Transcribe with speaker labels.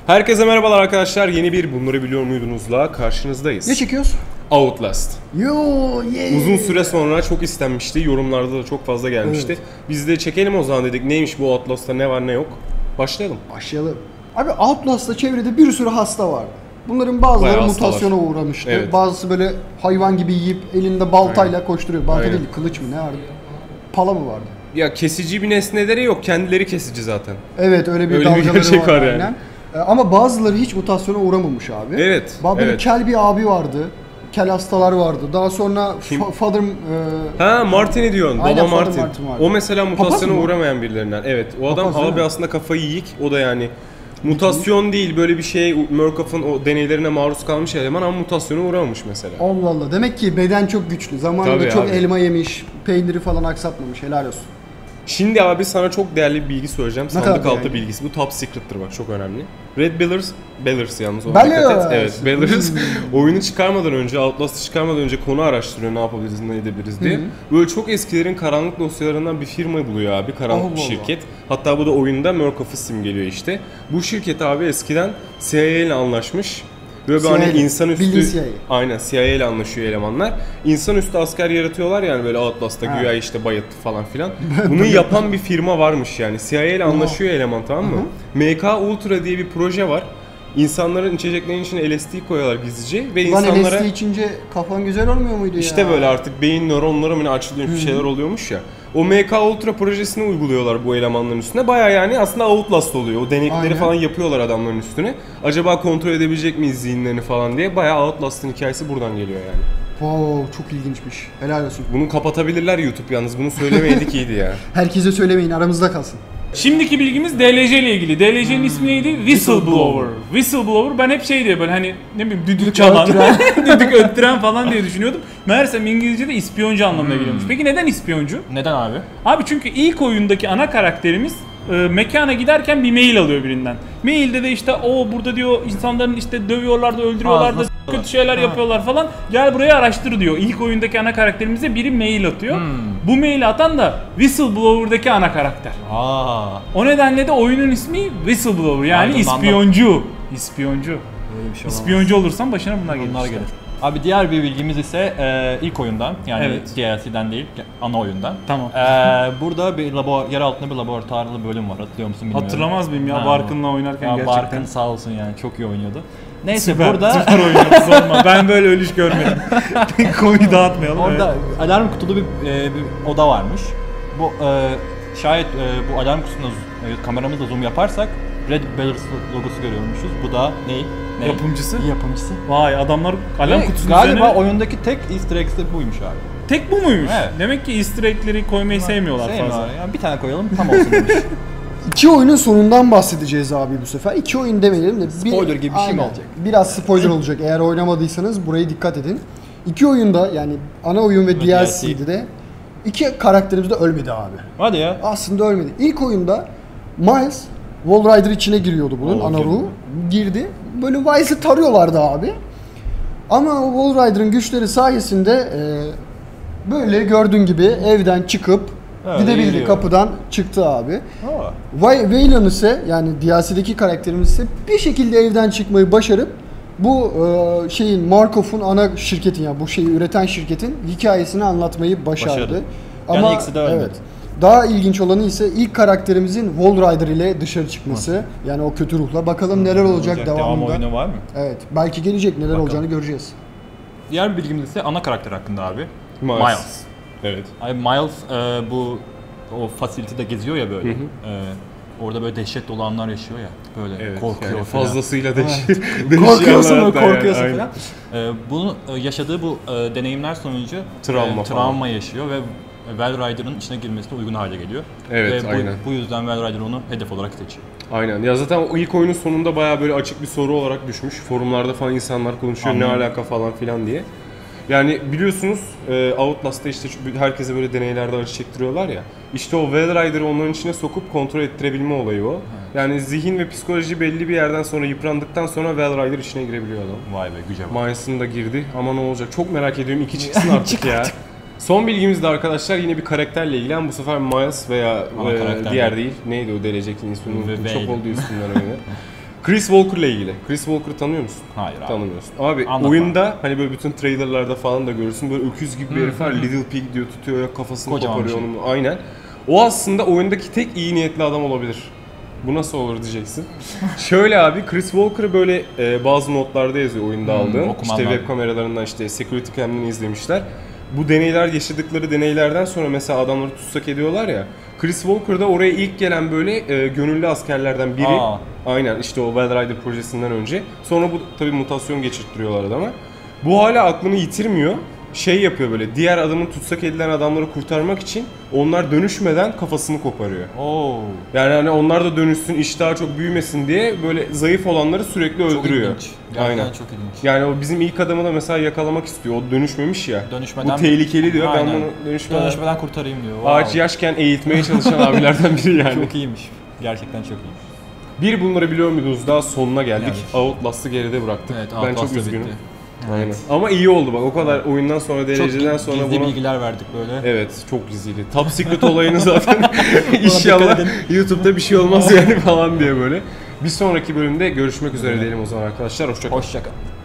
Speaker 1: Herkese merhabalar arkadaşlar. Yeni bir Bunları Biliyor Muydunuz'la karşınızdayız.
Speaker 2: Ne çekiyoruz?
Speaker 1: Outlast.
Speaker 2: Yeah.
Speaker 1: Uzun süre sonra çok istenmişti. Yorumlarda da çok fazla gelmişti.
Speaker 2: Evet.
Speaker 1: Biz de çekelim o zaman dedik. Neymiş bu Outlast'ta, ne var ne yok. Başlayalım.
Speaker 2: Abi Outlast'ta çevrede bir sürü hasta vardı. Bunların bazıları
Speaker 1: Bayağı hasta
Speaker 2: mutasyona uğramıştı.
Speaker 1: Evet.
Speaker 2: Bazısı böyle hayvan gibi yiyip elinde baltayla koşturuyor. Balta
Speaker 1: Aynen.
Speaker 2: değil, kılıç mı ne vardı? Pala mı vardı?
Speaker 1: Ya kesici bir nesneleri yok. Kendileri kesici zaten.
Speaker 2: Evet, öyle bir
Speaker 1: Öyle bir
Speaker 2: dalgaları
Speaker 1: gerçek var yani.
Speaker 2: aynen. Ama bazıları hiç mutasyona uğramamış abi.
Speaker 1: Evet,
Speaker 2: Böyle
Speaker 1: evet.
Speaker 2: kel bir abi vardı. Kel hastalar vardı. Daha sonra Father...
Speaker 1: Ha, Martin'i diyorsun.
Speaker 2: Aynen,
Speaker 1: Baba
Speaker 2: Father
Speaker 1: Martin.
Speaker 2: Martin vardı.
Speaker 1: O mesela
Speaker 2: Papaz
Speaker 1: mutasyona
Speaker 2: mı?
Speaker 1: uğramayan birilerinden. Evet. O adam
Speaker 2: Papaz değil
Speaker 1: abi
Speaker 2: mi?
Speaker 1: aslında kafayı yiyik. O da yani mutasyon değil, böyle bir şey. Murkoff'un o deneylerine maruz kalmış eleman ama mutasyona uğramamış mesela.
Speaker 2: Allah Allah. Demek ki beden çok güçlü. Zamanında
Speaker 1: Tabii
Speaker 2: çok
Speaker 1: abi.
Speaker 2: elma yemiş. Peyniri falan aksatmamış. Helal olsun.
Speaker 1: Şimdi abi sana çok değerli bir bilgi söyleyeceğim.
Speaker 2: Ne
Speaker 1: Sandık
Speaker 2: kadar
Speaker 1: altı
Speaker 2: yani?
Speaker 1: bilgisi. Bu top secret'tır bak, çok önemli. Red Bellers yalnız ona
Speaker 2: Bellers.
Speaker 1: dikkat et. Evet, Bellers oyunu çıkarmadan önce, Outlast'ı çıkarmadan önce konu araştırıyor, ne yapabiliriz, ne edebiliriz diye. Böyle çok eskilerin karanlık dosyalarından bir firma buluyor abi, karanlık bir
Speaker 2: Allah
Speaker 1: şirket. Hatta bu da oyunda Murkoff'u simgeliyor işte. Bu şirket abi eskiden CIA ile anlaşmış. Böyle hani
Speaker 2: CIA,
Speaker 1: insanüstü,
Speaker 2: bildiğin CIA.
Speaker 1: aynen CIA ile anlaşıyor elemanlar. İnsanüstü asker yaratıyorlar yani böyle Outlast'ta,
Speaker 2: Ha.
Speaker 1: güya işte bayılttı falan filan. Bunu yapan bir firma varmış yani. CIA ile anlaşıyor eleman, tamam mı? MK Ultra diye bir proje var. İnsanların içeceklerinin içine LSD koyuyorlar gizlice ve
Speaker 2: Lan
Speaker 1: insanlara
Speaker 2: LSD içince kafan güzel olmuyor muydu ya?
Speaker 1: işte böyle artık beyin nöronları mı ne açılıyor, bir şeyler oluyormuş ya. O MK Ultra projesini uyguluyorlar bu elemanların üstüne. Baya yani aslında Outlast oluyor. O denekleri
Speaker 2: Aynen.
Speaker 1: falan yapıyorlar adamların üstüne. Acaba kontrol edebilecek miyiz zihinlerini falan diye. Baya Outlast'ın hikayesi buradan geliyor yani.
Speaker 2: Wow, çok ilginçmiş. Helal olsun.
Speaker 1: Bunu kapatabilirler YouTube yalnız. Bunu söylemeydik iyiydi ya.
Speaker 2: Herkese söylemeyin, aramızda kalsın.
Speaker 3: Şimdiki bilgimiz DLC ile ilgili. DLC'nin ismi neydi? Whistleblower. Whistleblower, ben hep şey diye böyle hani ne bileyim düdük çalan, düdük öttüren falan diye düşünüyordum. Meğersem İngilizce'de ispiyoncu anlamına geliyormuş. Peki neden ispiyoncu?
Speaker 4: Neden abi?
Speaker 3: Abi çünkü ilk oyundaki ana karakterimiz mekana giderken bir mail alıyor birinden. Mailde de işte o burada diyor insanların işte dövüyorlar da öldürüyorlar da
Speaker 4: Ağzına
Speaker 3: kötü şeyler yapıyorlar falan. Gel buraya araştır diyor. İlk oyundaki ana karakterimize biri mail atıyor. Bu maili atan da Whistleblower'daki ana karakter. O nedenle de oyunun ismi Whistleblower, yani
Speaker 4: Anladım,
Speaker 3: ispiyoncu. İspiyoncu.
Speaker 4: Böyle bir şey olamaz.
Speaker 3: İspiyoncu olursan başına bunlar gelir.
Speaker 4: Bunlar
Speaker 3: işte.
Speaker 4: gelir. Abi diğer bir bilgimiz ise ilk oyundan, yani
Speaker 3: Evet.
Speaker 4: DLC'den değil, ana oyundan.
Speaker 3: Tamam.
Speaker 4: Burada bir yer altında bir laboratuvarlı bölüm var, hatırlıyor musun bilmiyorum.
Speaker 3: Hatırlamaz mıyım ya,
Speaker 4: Ha,
Speaker 3: Barkın'la oynarken
Speaker 4: ya
Speaker 3: gerçekten.
Speaker 4: Barkın sağ olsun yani, çok iyi oynuyordu. Neyse
Speaker 3: Süper,
Speaker 4: burada
Speaker 3: süper oynuyordu, sorma. Ben böyle ölüş görmedim. Konuyu dağıtmayalım.
Speaker 4: orada alarm kutulu bir oda varmış. Bu şayet bu alarm kutusunda kameramızla zoom yaparsak Red Bellers logosu görüyormuşuz. Bu da ne?
Speaker 3: Yapımcısı?
Speaker 4: Yapımcısı.
Speaker 3: Vay, adamlar alarm
Speaker 4: Ve
Speaker 3: kutusunun
Speaker 4: galiba
Speaker 3: üzerine...
Speaker 4: oyundaki tek easter egg de buymuş abi.
Speaker 3: Tek bu muymuş?
Speaker 4: Evet.
Speaker 3: Demek ki easter egg'leri koymayı sevmiyorlar fazla.
Speaker 4: Yani bir tane koyalım tam olsun demiş.
Speaker 2: İki oyunun sonundan bahsedeceğiz abi bu sefer. İki oyun demeyelim de.
Speaker 4: Spoiler gibi bir şey mi
Speaker 2: Aynen.
Speaker 4: olacak?
Speaker 2: Biraz spoiler olacak. Eğer oynamadıysanız buraya dikkat edin. İki oyunda, yani ana oyun ve DLC'de de iki karakterimiz de ölmedi abi.
Speaker 4: Hadi ya.
Speaker 2: Aslında ölmedi. İlk oyunda Miles Wall Rider içine giriyordu bunun, ana ruhu. Girdi. Böyle Miles'ı tarıyorlardı abi. Ama o Wall Rider'ın güçleri sayesinde böyle gördüğün gibi evden çıkıp
Speaker 4: Öyle
Speaker 2: gidebildi.
Speaker 4: yürüyor.
Speaker 2: Kapıdan çıktı abi.
Speaker 4: Aa.
Speaker 2: Waylon ise, yani DLC'deki karakterimiz ise bir şekilde evden çıkmayı başarıp bu Murkoff'un ana şirketin, yani bu şeyi üreten şirketin hikayesini anlatmayı başardı.
Speaker 4: Yani
Speaker 2: Ama
Speaker 4: ikisi de ölmedi.
Speaker 2: evet. Daha ilginç olanı ise ilk karakterimizin Wall Rider ile dışarı çıkması. Yani o kötü ruhla. Bakalım neler olacak
Speaker 4: Devam
Speaker 2: devamında.
Speaker 4: oyunu var mı?
Speaker 2: Evet. Belki gelecek, neler
Speaker 4: Bakalım.
Speaker 2: olacağını göreceğiz.
Speaker 4: Diğer bir bilgimiz ise ana karakter hakkında abi.
Speaker 1: Miles. Evet.
Speaker 4: Abi Miles bu o facility'de geziyor ya böyle. Orada böyle dehşet dolu anlar yaşıyor ya. Böyle
Speaker 1: Evet.
Speaker 4: korkuyor
Speaker 1: Yani
Speaker 4: falan.
Speaker 1: fazlasıyla
Speaker 4: Korkuyorsun
Speaker 1: hatta
Speaker 4: korkuyorsun
Speaker 1: yani,
Speaker 4: falan. Bunu yaşadığı bu deneyimler sonucu
Speaker 1: Travma
Speaker 4: travma yaşıyor ve Well Rider'ın içine girmesine uygun hale geliyor.
Speaker 1: Evet,
Speaker 4: ve
Speaker 1: aynen.
Speaker 4: bu yüzden Well Rider onu hedef olarak seçiyor.
Speaker 1: Aynen. Ya zaten o ilk oyunun sonunda bayağı böyle açık bir soru olarak düşmüş. Forumlarda falan insanlar konuşuyor, ne alaka falan filan diye. Yani biliyorsunuz Outlast'ta işte herkese böyle deneylerde acı çektiriyorlar ya. İşte o Well Rider'ı onların içine sokup kontrol ettirebilme olayı o. Yani zihin ve psikoloji belli bir yerden sonra yıprandıktan sonra Well Rider içine girebiliyor adam.
Speaker 4: Vay be, güce bak.
Speaker 1: Miles'ın da girdi ama ne olacak? Çok merak ediyorum. 2 çıksın artık ya. Son bilgimiz de arkadaşlar yine bir karakterle ilgili ama bu sefer Miles veya diğer değil. Neydi o delecektin ismini unuttum. Çok oldu üstünden öyle. Chris Walker'la ilgili. Chris Walker'ı tanıyor musun?
Speaker 4: Hayır abi.
Speaker 1: Tanımıyorsun. Abi
Speaker 4: Anlatma.
Speaker 1: oyunda hani böyle bütün trailerlarda falan da görürsün böyle öküz gibi bir herif var. Little Pig diyor, tutuyor ya kafasını
Speaker 4: Kocaman
Speaker 1: koparıyor
Speaker 4: bir şey.
Speaker 1: onun. Aynen. O aslında oyundaki tek iyi niyetli adam olabilir. Bu nasıl olur diyeceksin. Şöyle abi Chris Walker'ı böyle bazı notlarda yazıyor oyunda aldığım.
Speaker 4: okuman
Speaker 1: İşte
Speaker 4: lazım.
Speaker 1: web kameralarından işte security cam'den izlemişler. Bu deneyler yaşadıkları deneylerden sonra mesela adamları tutsak ediyorlar ya. Chris Walker da oraya ilk gelen böyle gönüllü askerlerden biri.
Speaker 4: Aa.
Speaker 1: Aynen işte o Wild Rider projesinden önce. Sonra bu tabii mutasyon geçirttiriyorlar adama. Bu hala aklını yitirmiyor. Şey yapıyor böyle diğer adamın tutsak edilen adamları kurtarmak için onlar dönüşmeden kafasını koparıyor.
Speaker 4: Oo.
Speaker 1: Yani hani onlar da dönüşsün, iş daha çok büyümesin diye böyle zayıf olanları sürekli
Speaker 4: Çok
Speaker 1: öldürüyor.
Speaker 4: ilginç. Gerçekten
Speaker 1: Aynen.
Speaker 4: çok ilginç.
Speaker 1: Yani o bizim ilk adamı da mesela yakalamak istiyor. O dönüşmemiş ya.
Speaker 4: Dönüşmeden
Speaker 1: Bu tehlikeli diyor.
Speaker 4: Aynen.
Speaker 1: Ben bunu dönüşmeden
Speaker 4: kurtarayım diyor.
Speaker 1: ağaç
Speaker 4: Wow.
Speaker 1: yaşken eğitmeye çalışan abilerden biri yani.
Speaker 4: Çok iyiymiş. Gerçekten çok iyiymiş.
Speaker 1: Bir bunları biliyor muydunuz? Daha sonuna geldik.
Speaker 4: Evet.
Speaker 1: Outlast'ı geride bıraktık.
Speaker 4: Evet,
Speaker 1: ben
Speaker 4: Outlast
Speaker 1: çok
Speaker 4: da
Speaker 1: üzgünüm.
Speaker 4: bitti.
Speaker 1: Aynen. Ama iyi oldu bak. O kadar oyundan sonra, DLC'den sonra
Speaker 4: gizli
Speaker 1: buna...
Speaker 4: bilgiler verdik böyle.
Speaker 1: Evet, çok gizliydi. Top Secret olayını zaten
Speaker 4: dikkat
Speaker 1: inşallah
Speaker 4: edin.
Speaker 1: YouTube'da bir şey olmaz yani falan diye böyle. Bir sonraki bölümde görüşmek üzere diyelim o zaman arkadaşlar. Hoşça kalın.
Speaker 4: Hoşça kal.